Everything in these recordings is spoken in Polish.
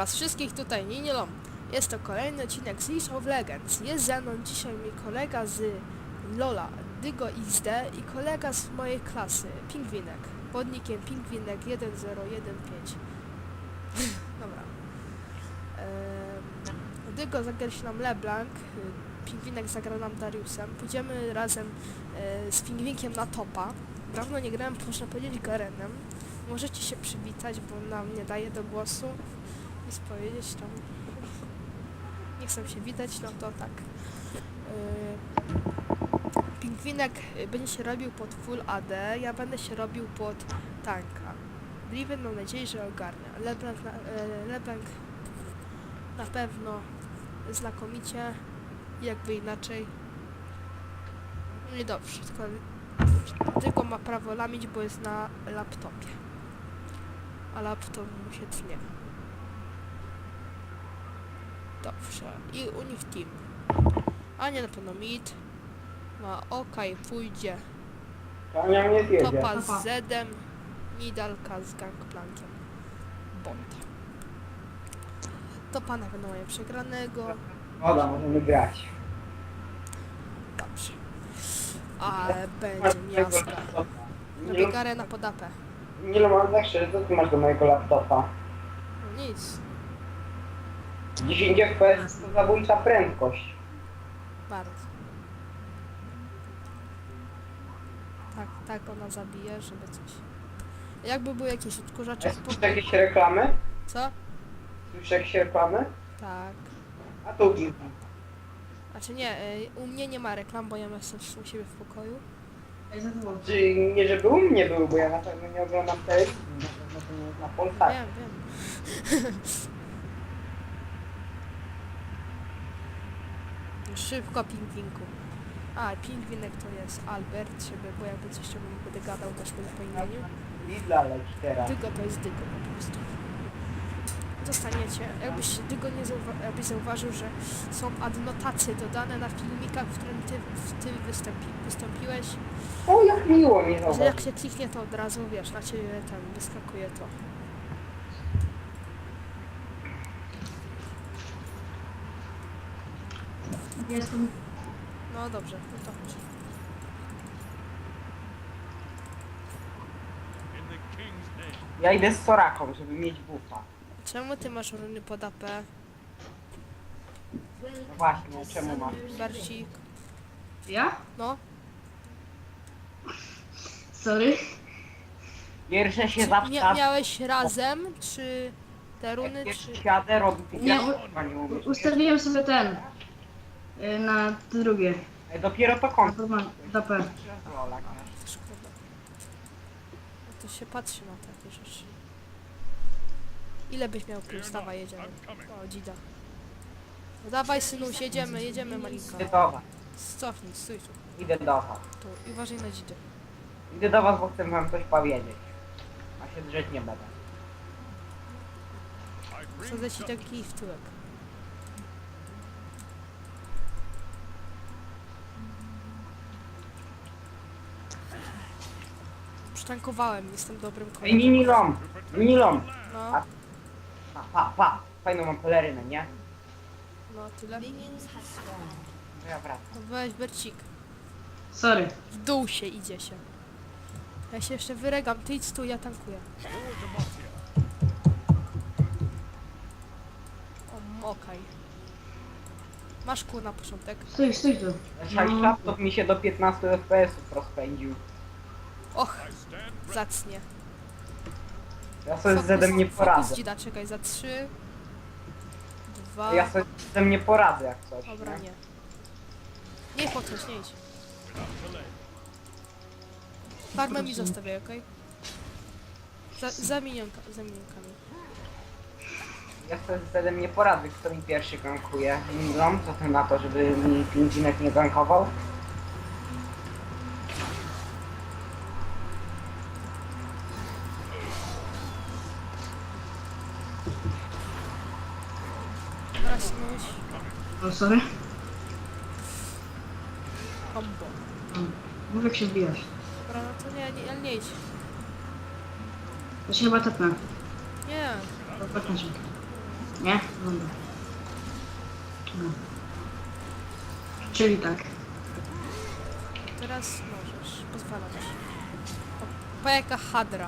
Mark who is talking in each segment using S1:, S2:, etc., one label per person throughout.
S1: was wszystkich tutaj Ninilom. Jest to kolejny odcinek z League of Legends. Jest ze mną dzisiaj mój kolega z Lola, Dygo XD i kolega z mojej klasy, Pingwinek. Pod nickiem Pingwinek 1015. Dobra. Dygo zagra się nam LeBlanc, Pingwinek zagra nam Dariusem. Pójdziemy razem z Pingwinkiem na topa. Dawno nie grałem, można powiedzieć, Garenem. Możecie się przywitać, bo nam nie daje do głosu. Nic powiedzieć tam. Nie chcę się witać, no to tak. Pingwinek będzie się robił pod full AD, ja będę się robił pod tanka. Driven mam nadzieję, że ogarnia. LeBlanc na pewno znakomicie, jakby inaczej. No i dobrze, tylko ma prawo lamić, bo jest na laptopie. A laptop mu się tnie. Dobrze. I u nich team. Ania na pewno mid. Ma oka i pójdzie.
S2: Ania mnie zjedzie.
S1: Topa z Zedem. Nidalka z Gangplankiem. Bot. Topa na pewno mają przegranego.
S2: Woda, możemy grać.
S1: Dobrze. Ale będzie miasta. Robię garę na podapę.
S2: Nie mam zawsze, co ty masz do mojego laptopa?
S1: No nic.
S2: 10 FPS to zabójcza prędkość.
S1: Bardzo. Tak ona zabije, żeby coś. Jakby były jakieś odkurzacze...
S2: Słyszysz jakieś reklamy?
S1: Co?
S2: Słyszysz jakieś reklamy?
S1: Tak.
S2: A tu kilka.
S1: Znaczy nie, u mnie nie ma reklam, bo ja jestem u siebie w pokoju.
S2: Czy nie, żeby u mnie był, bo ja na pewno nie oglądam telewizji, na pewno to nie jest na Polsat.
S1: Wiem. Szybko, Pingwinku. A, Pingwinek to jest Albert, bo jakby coś to będę gadał też po imieniu.
S2: Lidla leci teraz.
S1: Dygo to jest Dygo po prostu. Dostaniecie, jakbyś zauważył, że są adnotacje dodane na filmikach, w którym ty wystąpiłeś,
S2: O, jak miło mi
S1: że
S2: zobacz.
S1: jak się kliknie, to od razu, wiesz, na ciebie tam wyskakuje to.
S3: Jestem.
S1: No dobrze, no to chodź.
S2: Ja idę z Soraką, żeby mieć buffa.
S1: Czemu ty masz runy pod AP?
S2: No właśnie, czemu mam?
S1: Barcik.
S3: Ja?
S1: No,
S3: Sorry.
S2: Pierwsze się zawsze...
S1: miałeś razem, czy te runy,
S2: Jak
S1: czy...
S2: pierwszy siadę, robi
S3: Nie,
S2: nie umiesz.
S3: Ustawiłem sobie ten. Na drugie.
S2: Dopiero to
S3: Na
S2: kończy.
S3: format DP.
S1: Szkoda. No to się patrzy na takie rzeczy. Ile byś miał plus? Dawaj, jedziemy. O, dzida. No dawaj, synuś, jedziemy, malinka.
S2: Idę do was.
S1: Cofnij, stój tu.
S2: Idę do was.
S1: Tu. I uważaj na dzidę.
S2: Idę do was, bo chcę wam coś powiedzieć. A się drzeć nie będę.
S1: Wsadzę ci taki w tyłek. Przytankowałem, jestem dobrym
S2: Ej,
S1: kolegą.
S2: Ninilom!
S1: No,
S2: Pa! Fajną mam pelerynę, nie?
S1: no tyle.
S2: No ja wracam.
S1: No weź Bercik.
S3: Sorry.
S1: W dół się idzie się. Ja się jeszcze wyregam, ty idź tu, ja tankuję. O, okej. Masz kół na początek.
S3: Stój tu.
S2: Szali laptop mi się do 15 FPS-ów rozpędził.
S1: Och, zacnie.
S2: Ja sobie z Zedem nie poradzę.
S1: Fokus dzida, czekaj, za 3, 2...
S2: Ja sobie z Zedem nie poradzę jak coś.
S1: Dobra,
S2: nie?
S1: nie. Nie podchodź, nie idź. Farmę mi zostawiaj, okej? Za minionkami.
S2: Ja sobie z Zedem nie poradzę, kto mi pierwszy gankuje. Ninilom, co ty na to, żeby mi Pingwinek nie gankował?
S1: Teraz myś.
S3: O, sorry.
S1: Combo.
S3: Mów jak się wbijasz.
S1: Dobra, no to ale nie idź.
S3: To się chyba tepnę.
S1: Nie.
S3: Tepnę cię. Nie? Dobra. No. Czyli tak.
S1: Teraz możesz, pozwalam ci. O, pa jaka hadra.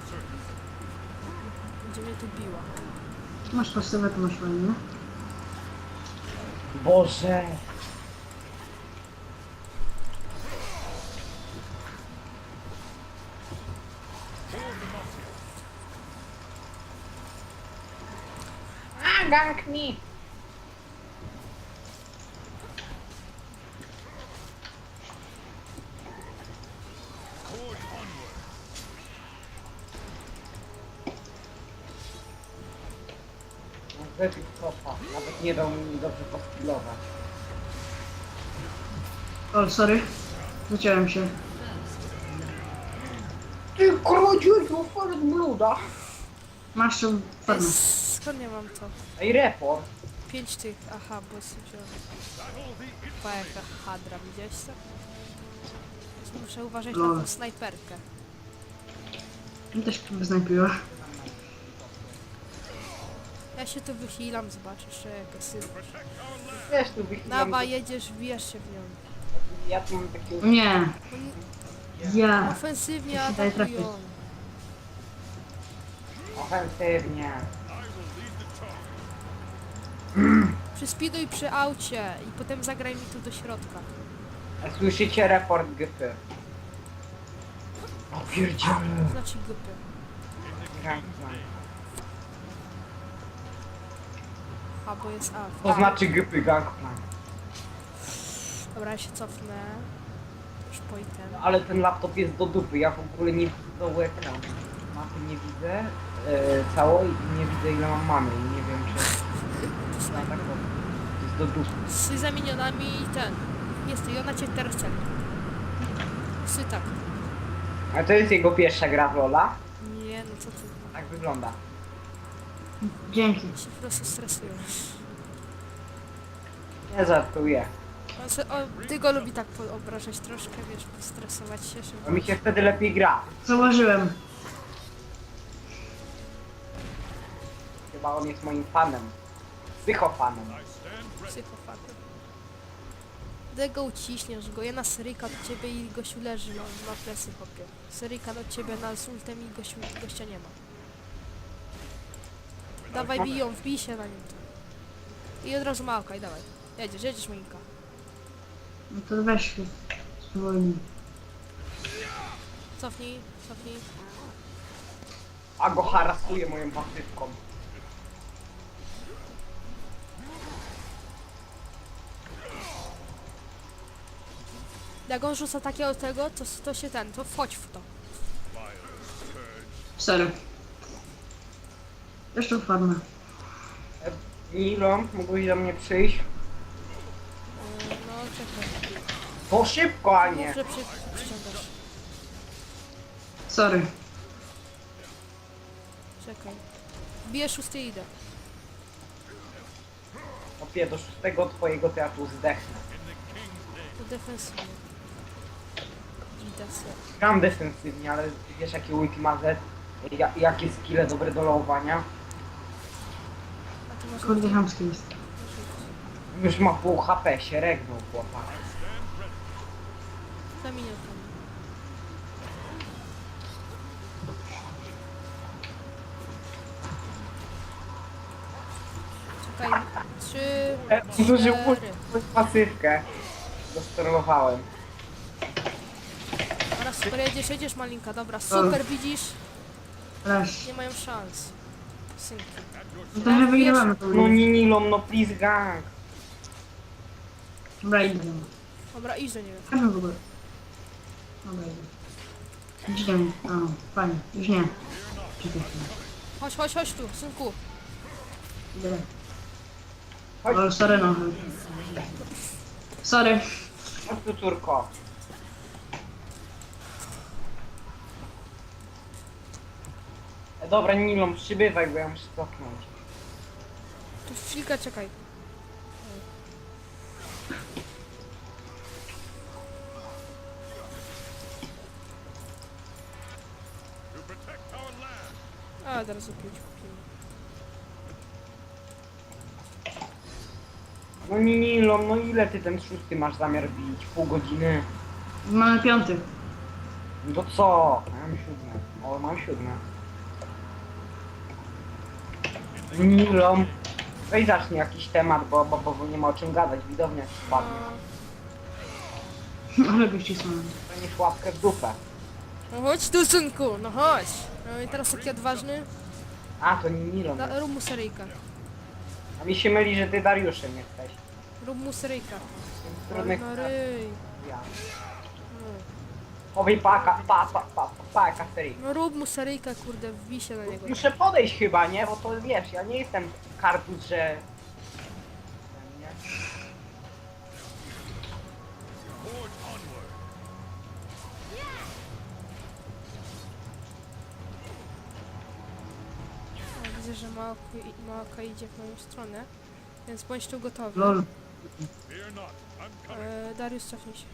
S1: Będzie mnie tu biła.
S3: Masz pasywę, to masz ładnie.
S2: Boże! A, gank mi! Wypił topa, nawet nie dał mi dobrze poskilować.
S3: O, sorry. Zaciąłem się.
S2: Ty krodziu, Forest Blooda!
S3: Masz tu farmę.
S1: Skąd ja mam to?
S2: Ej, report!
S1: 5 tych, aha, bo sobie wziąłem. Pa jaka hadra, widziałeś to? Muszę uważać na tą snajperkę.
S3: Mi też wyznajpiła.
S1: Ja się tu wychylam, zobaczysz, że jaka sypać.
S2: Wiesz, tu wychylam...
S1: Nawa, jedziesz, wbijesz się w nią.
S2: Ja tu mam takie...
S3: Nie.
S1: Oni
S3: Ja.
S1: ofensywnie
S3: Ja się daję
S1: atakują.
S2: Ofensywnie.
S1: Przyspiduj przy aucie i potem zagraj mi tu do środka.
S2: Słyszycie report GP. O pierdziele.
S1: Znaczy grupy.
S2: Gank.
S1: A, bo jest A.
S2: To znaczy GP Gangplank.
S1: Dobra, ja się cofnę. Już po item.
S2: Ale ten laptop jest do dupy, ja w ogóle nie widzę do ekranu. Mapy nie widzę całej i nie widzę ile mam mamy i nie wiem czy... Ja tak powiem. To jest do dupy.
S1: Z zamienionami i ten. Jest i ona cię teraz celi. Sy tak.
S2: A to jest jego pierwsza gra w Lola?
S1: Nie, no co ty.
S2: Tak wygląda.
S3: Dzięki.
S1: Się po prostu stresują.
S2: Nie żartuję.
S1: Ty go lubi tak obrażać troszkę, wiesz, postresować się, żeby...
S2: Bo mi się wtedy lepiej gra.
S3: Zauważyłem.
S2: Chyba on jest moim fanem. Psychofanem.
S1: Psychopaty. Gdy go uciśniesz go, ja na Syryka do ciebie i gościu leży na plecy, chłopie. Syryka do ciebie na ultem i gościa nie ma. Dawaj biją, wbij się na nim. I od razu małka i dawaj. Jedziesz Monika.
S3: No to weź się. Spowolnij.
S1: Cofnij.
S2: A go harasuje moją pasywką.
S1: Jak on rzuca takiego tego, to się to wchodź w to.
S3: Sorry. Jeszcze farmę.
S2: Nilon, mógłbyś do mnie przyjść?
S1: No czekaj.
S2: To szybko, a nie.
S1: Mów, że przyciągasz.
S3: Sorry.
S1: Czekaj. Bierz szósty i idę.
S2: Opie, do szóstego twojego teatru zdechnę.
S1: To defensywnie. Idę sobie.
S2: Gram defensywnie, ale wiesz jakie ulti ma Z? Jakie skille dobre do lołowania?
S1: A ty masz...
S3: Kurde, chamski jest.
S2: Już ma pół HP, się regnął chłopak.
S1: Za minutę. Czekaj. 3,
S2: Zużył
S1: 4.
S2: pasywkę. Dostorowałem.
S1: Teraz super jedziesz Malinka, dobra, super, widzisz?
S3: Leż.
S1: Nie mają szans. Synki.
S3: No trochę wygrywamy to.
S2: No nie Nilon, no please gang.
S3: Dobra, idę.
S1: Dobra, idź do niego.
S3: Chodźmy w ogóle. Dobra, idę. Idź do mnie. O, fajnie. Już nie. Czekaj chwilę.
S1: Chodź tu, synku.
S3: Idę.
S2: Chodź.
S3: O, sorry no. Sorry.
S2: Chodź tu córko. Dobra Nilon, przybywaj, bo ja muszę cofnąć.
S1: Tu chwilkę czekaj. A, teraz o 5 kupimy.
S2: No Nilo, no ile ty ten szósty masz zamiar bić? Pół godziny?
S3: Mamy piąty.
S2: No to co? Ja mam siódme. O, mam siódme. Nilo, weź zacznij jakiś temat, bo nie ma o czym gadać. Widownia ci spadnie.
S3: Ale gości są.
S2: Dostaniesz łapkę w dupę.
S1: No chodź tu, synku, no chodź. No i teraz taki odważny.
S2: A, to nie Nilo.
S1: Rób mu seryjka.
S2: A mi się myli, że ty Dariuszem jesteś.
S1: Rób mu seryjka.
S2: Trudnych
S1: No ryj.
S2: ja.
S1: No.
S2: Powej paka serii.
S1: No rób mu seryjka, kurde, wbij się na niego.
S2: Muszę podejść chyba, nie? Bo to wiesz, ja nie jestem kartus, że... Nie?
S1: O, widzę, że Maoka idzie w moją stronę, więc bądź tu gotowy.
S3: Lol.
S1: Dariusz, cofnij się.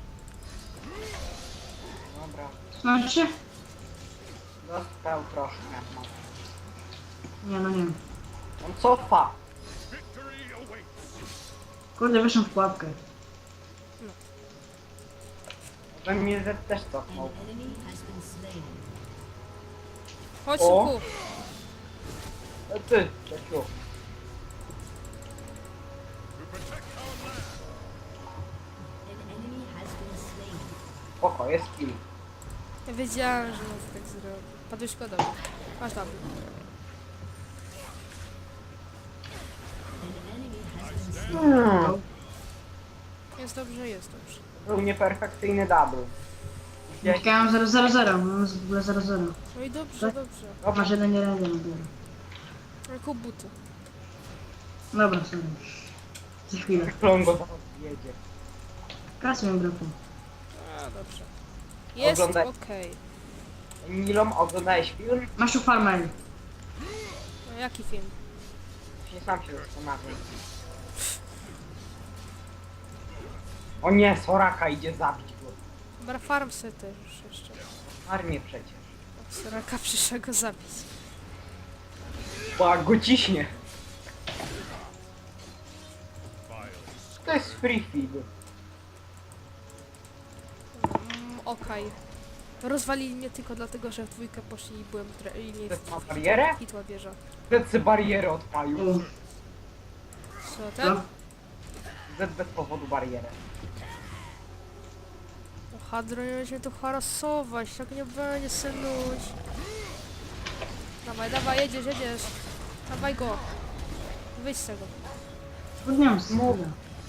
S2: Dobra.
S3: Znaczy?
S2: Dostał troszkę. No.
S3: Nie, no nie.
S2: On cofa.
S3: Kurde, wyszłam w pułapkę.
S2: We mnie też cofnął.
S1: Chodź,
S2: O.
S1: synku.
S2: Ty, Czesiu. Spoko, jest kill.
S1: Ja wiedziałem, że on tak zrobi. Padłeś szkoda. Masz tam. Jest dobrze, jest dobrze.
S2: Był nieperfekcyjny double. Gdzieś...
S3: Czekałem 0-0-0, mam w ogóle 0-0.
S1: No i dobrze,
S3: Tak?
S1: dobrze.
S3: Masz jeden jeden dopiero.
S1: Ale kup buty.
S3: Dobra, sorry. Za chwilę.
S2: Klongo zaraz jedzie.
S3: Kasy mi brakło.
S1: A, dobrze. Jest
S2: Oglądaj.
S1: okej.
S2: Nilom, oglądałeś film?
S3: Masz u farmę.
S1: No jaki film?
S2: Się sam się zastanawiam. O nie, Soraka idzie zabić go.
S1: Dobra, farm se też jeszcze.
S2: Armię przecież.
S1: Soraka przyszła go zabić.
S2: Bo jak go ciśnie. To jest free feed.
S1: Okej. Rozwalili mnie tylko dlatego, że w dwójkę poszli i byłem w i nie
S2: To ma barierę?
S1: hitła wieża.
S2: Zed barierę odpalił.
S3: U.
S1: Co ten?
S3: Co?
S2: Zed bez powodu barierę.
S1: O, Hadro, nie będziemy tu harasować, tak nie będzie, synuś. Dawaj, dawaj, jedziesz, jedziesz. Dawaj go. Wyjdź z tego.
S3: Podniosę sobie.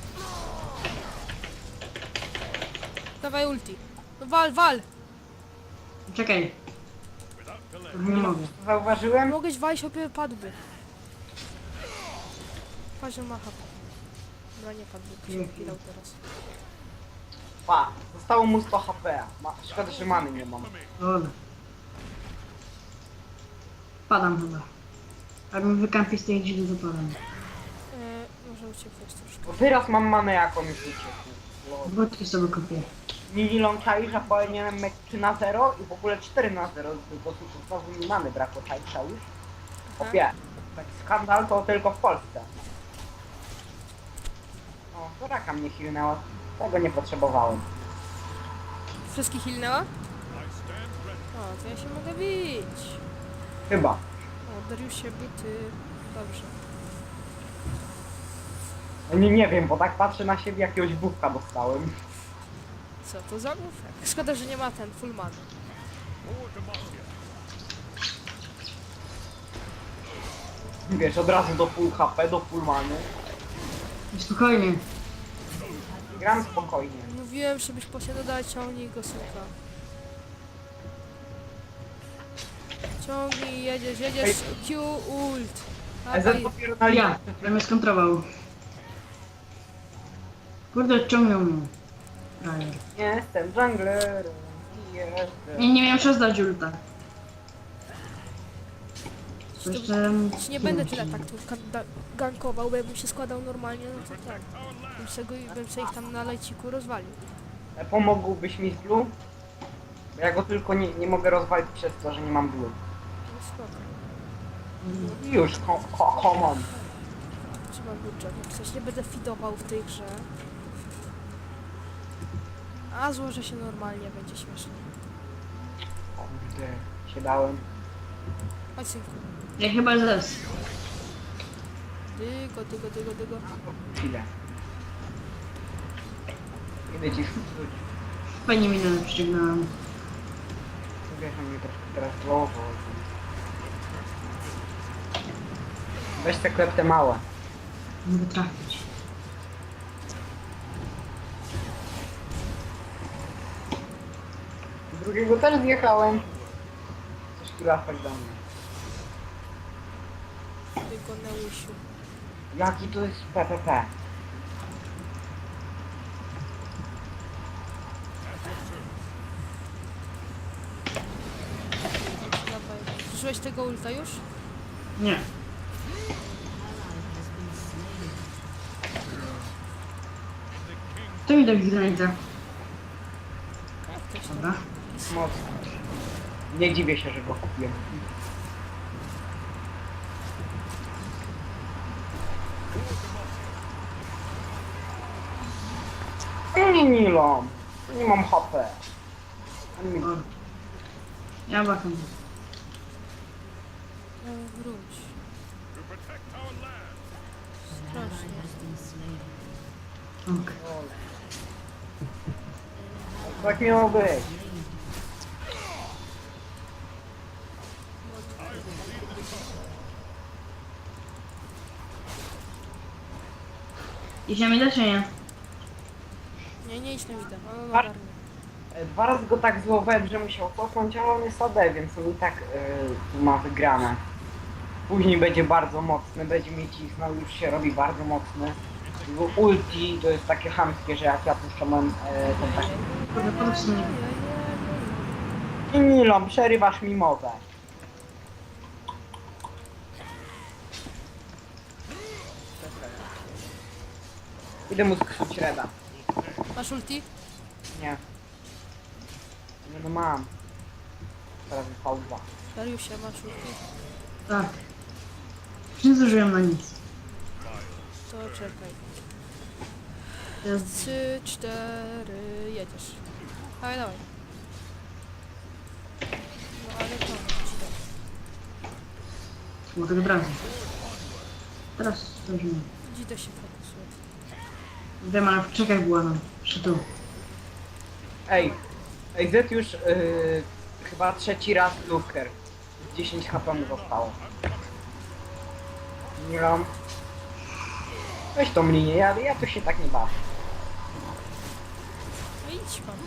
S1: Dawaj ulti. No wal, wal!
S3: Czekaj. Nie mogę.
S2: Zauważyłem?
S1: Mogłeś walić, opie padłby. Patrz, że ma HP. Dobra, nie padłby, się chwilał teraz.
S2: Pa, zostało mu 100 HP. Szkoda, że many nie mam.
S3: Dobra. Padam chyba. Jak mi wykampi z tej dzidy, to padam.
S1: Może ucieknąć troszkę.
S2: Bo teraz mam manę jaką już uciekł.
S3: Wódki sobie kupię.
S2: Nilon czai, że powinienem mieć 3 na 0 i w ogóle 4 na 0, bo tu znowu mi many brakło, czai już. Opie, taki skandal to tylko w Polsce. O, Soraka mnie hilnęła, tego nie potrzebowałem.
S1: Wszystkich hilnęła? O, to ja się mogę bić.
S2: Chyba.
S1: O, Dariusie, buty. Dobrze.
S2: No nie wiem, bo tak patrzę na siebie, jakiegoś bufka dostałem.
S1: Co to za bufek? Szkoda, że nie ma ten full man.
S2: Wiesz, od razu do full HP, do full many.
S3: Spokojnie.
S2: Gram spokojnie.
S1: Mówiłem, żebyś posiadał, daj, ciągnij go, synka. Ciągnij, jedziesz, jedziesz. Q ult.
S2: EZ
S1: Dawaj.
S2: dopiero na
S3: Ja,
S2: liście.
S3: ja mnie skontrował. Kurde, odciągnął mnie. Frajer.
S2: Jestem junglerem. Jestem.
S3: Nie miałem czas dać ulta. To jeszcze...
S1: Ci nie będę tyle tak tu gankował, bo jakbym się składał normalnie, no to tak. Bym se ich tam na lejciku rozwalił.
S2: Pomógłbyś mi z blue? Bo ja go tylko nie mogę rozwalić przez to, że nie mam blue.
S1: No spoko.
S2: Już, come on.
S1: Trzeba mam budżet. Coś nie będę fidował w tej grze. A złożę się normalnie, będzie śmiesznie.
S2: Kurde, się dałem.
S1: Chodź synku.
S3: Ja chyba zes.
S1: Dygo.
S2: Chwilę. Idę ci rzucić.
S3: Fajnie minę przyciągnąłem.
S2: Wiesz, on mnie troszkę teraz głową. Weź te klepte małe.
S3: Mogę trafić.
S2: Drugiego też zjechałem. Coś tu latać do mnie.
S1: Dygo Neusiu.
S2: Jaki to jest PPP?
S1: Dawaj. Zużyłeś tego ulta już?
S3: Nie. To mi tak granita.
S1: Jak też
S3: Dobra.
S2: Mocno. Nie dziwię się, że go kupiłem. Nie Nilom. Nie mam HP. Ani mi-
S3: O. Ja wacham.
S1: Wróć. Strasznie.
S3: Ok.
S2: Tak miało być.
S3: Idziemy do czy nie?
S1: Nie idź na widę. O,
S2: Par-
S1: ogarnę.
S2: Dwa razy go tak złowałem, że musiał cofnąć, ale on jest AD, więc on i tak tu ma wygrane. Później będzie bardzo mocny, będzie mi cisnął, już się robi bardzo mocny. Jego ulti to jest takie chamskie, że jak ja puszczam ten taki...
S3: Kurde, podróż mnie.
S2: I Nilom, przerywasz mi mowę. Idę mu skrzycz reda.
S1: Masz ulti?
S2: Nie. Nie no mam. Teraz jest V2.
S1: Dariusie, masz ulti?
S3: Tak. Nie zużyłem na nic.
S1: To czekaj.
S3: To jest
S1: 3, 4, jedziesz. Dawaj. No ale to, ci dam.
S3: mogę wybrać. Teraz zużyłem.
S1: Dzidę się fokusuje.
S3: Wiem, ale w czekach była nam. Przy tu.
S2: Ej, Z już chyba trzeci raz Luker. 10 HP mu zostało. Nie mam. Weź tą linię, ja tu się tak nie bawię.
S1: No idź pan.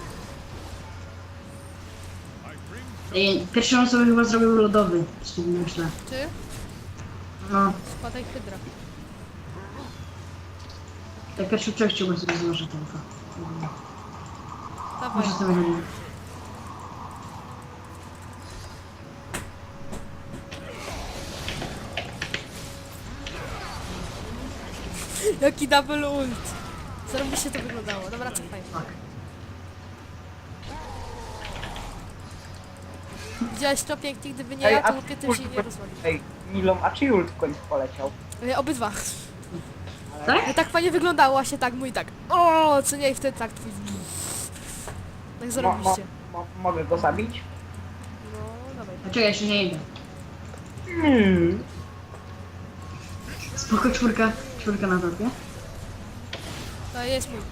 S3: Ej, pierwszą osobę chyba zrobił lodowy. Z tym myślę.
S1: Ty?
S3: No,
S1: Spadaj hydra.
S3: tak pierwszy człowiek chciałbym sobie złożyć tylko.
S1: Dawaj.
S3: Muszę sobie robić.
S1: Jaki double ult. Zarobiście to wyglądało. Dobra, cofaj.
S3: Tak.
S1: Widziałeś to pięknie, gdyby nie ja, to chłopie tym się nie rozwalił.
S2: Ej, Nilom, a czy ult w końcu poleciał?
S1: Obydwa.
S3: Tak?
S1: No tak fajnie wyglądało, właśnie tak, mój tak. O, co nie, i wtedy tak twój. Tak zarobiście.
S2: Mogę go zabić?
S1: No, dawaj.
S3: A czekaj, jeszcze nie idę.
S2: Hmm.
S3: Spoko, czwórka. Czwórka na topie.
S1: To jest mój.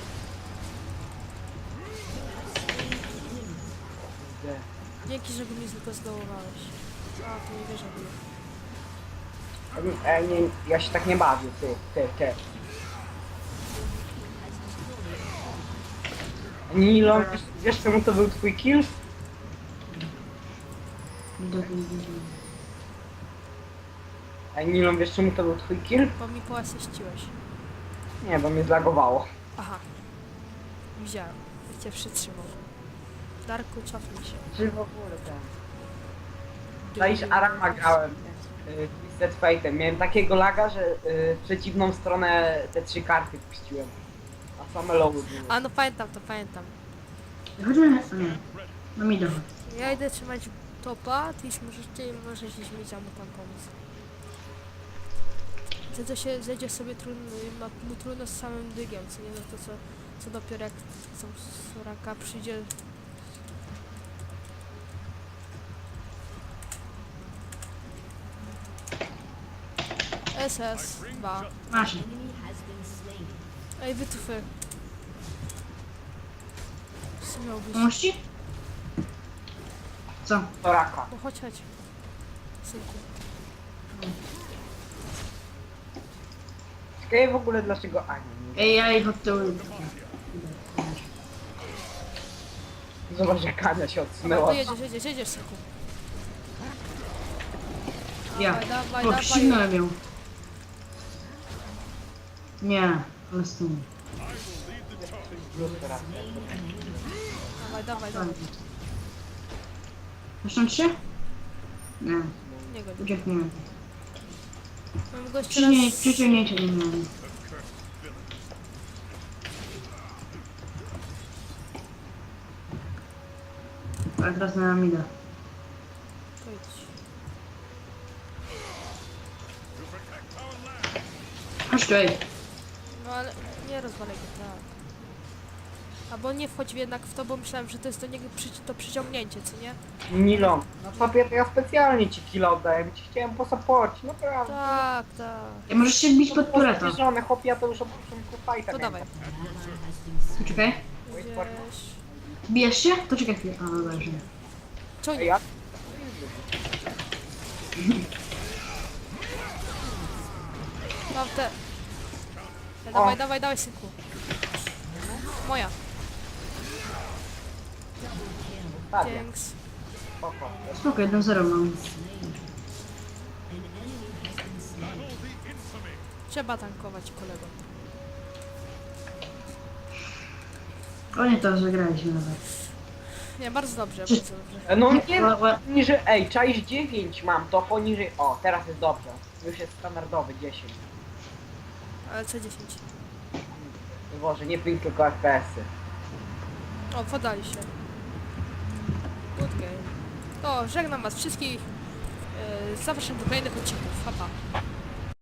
S1: Dzięki, że go mi tylko zdołowałeś. A, to nie wierzę w
S2: Nie, ja się tak nie bawię, ty. Nilom, wiesz czemu to był twój kill? Ej, Nilom, wiesz czemu to był twój kill?
S1: Bo mi poasyściłeś.
S2: Nie, bo mnie zlagowało.
S1: Aha. Widziałem. Jak cię przytrzymał. Darku, cofnij się.
S2: Czy w ogóle ten... Zaisz Arama grałem Twisted Fate'em. Miałem takiego laga, że w przeciwną stronę te 3 karty puściłem. A same lowy były.
S1: A no pamiętam to, pamiętam.
S3: Chodźmy... Nie. No mi dochodzi.
S1: Ja idę trzymać topa, ty możesz gdzieś mieć, a mu tam pomóc. Wtedy to się zejdzie sobie trudno, ma mu trudno z samym dygiem, co nie? No to co dopiero jak są Soraka przyjdzie. SS 2.
S3: Masz.
S1: Ej, wytufy. Co miał być?
S3: Pomóż ci? Co?
S2: Soraka.
S1: No chodź. Synku.
S2: Ciekawe w ogóle dlaczego Ani nie.
S3: Ej, ja ich od tyłu.
S2: Zobacz jak Ania się
S1: No
S2: odsunęła.
S1: to jedziesz, synku.
S3: Ja.
S1: Dawaj.
S3: O, ścignąłem ją. Nie, ale z tym.
S1: Dawaj.
S3: Zresztą się? Nie,
S1: Nie go.
S3: uciekniemy.
S1: Mam go jeszcze raz...
S3: Przyciągnięcie nie miałem. Ale teraz na mida.
S1: Pojdź.
S3: Chodź tu, ej.
S1: No ale nie rozwalaj go, tak. Albo nie wchodź jednak w to, bo myślałem, że to jest do niego to przyciągnięcie, co nie?
S2: Nilon, no sobie to ja specjalnie ci kilo oddałem, ci chciałem posaporcić, naprawdę.
S1: Tak.
S3: Ej, możesz się bić pod tureta.
S2: Żony, chłopie, ja to już od początku fajta
S1: To dawaj.
S3: Poczekaj.
S1: Gdzieś...
S3: Bijesz się? To czekaj chwilę. A, dobra, że.
S1: Co
S2: Ej,
S1: nie?
S2: ja...
S1: Mam te...
S2: O.
S1: Dawaj, synku. Moja.
S2: Tak,
S1: Thanks.
S2: spoko.
S3: Spoko, 1-0 mam.
S1: Trzeba tankować, kolego.
S3: O nie, to zagraliśmy nawet.
S1: Nie, bardzo dobrze,
S3: Czy-
S1: bardzo dobrze.
S2: No nie, poniżej, ej, czaisz 9 mam, to poniżej, o, teraz jest dobrze. Już jest standardowy 10.
S1: Ale co 10?
S2: Boże, nie 5 tylko FPS-y.
S1: O, podali się. Good game. To żegnam was wszystkich. Zapraszam do kolejnych odcinków. Pa.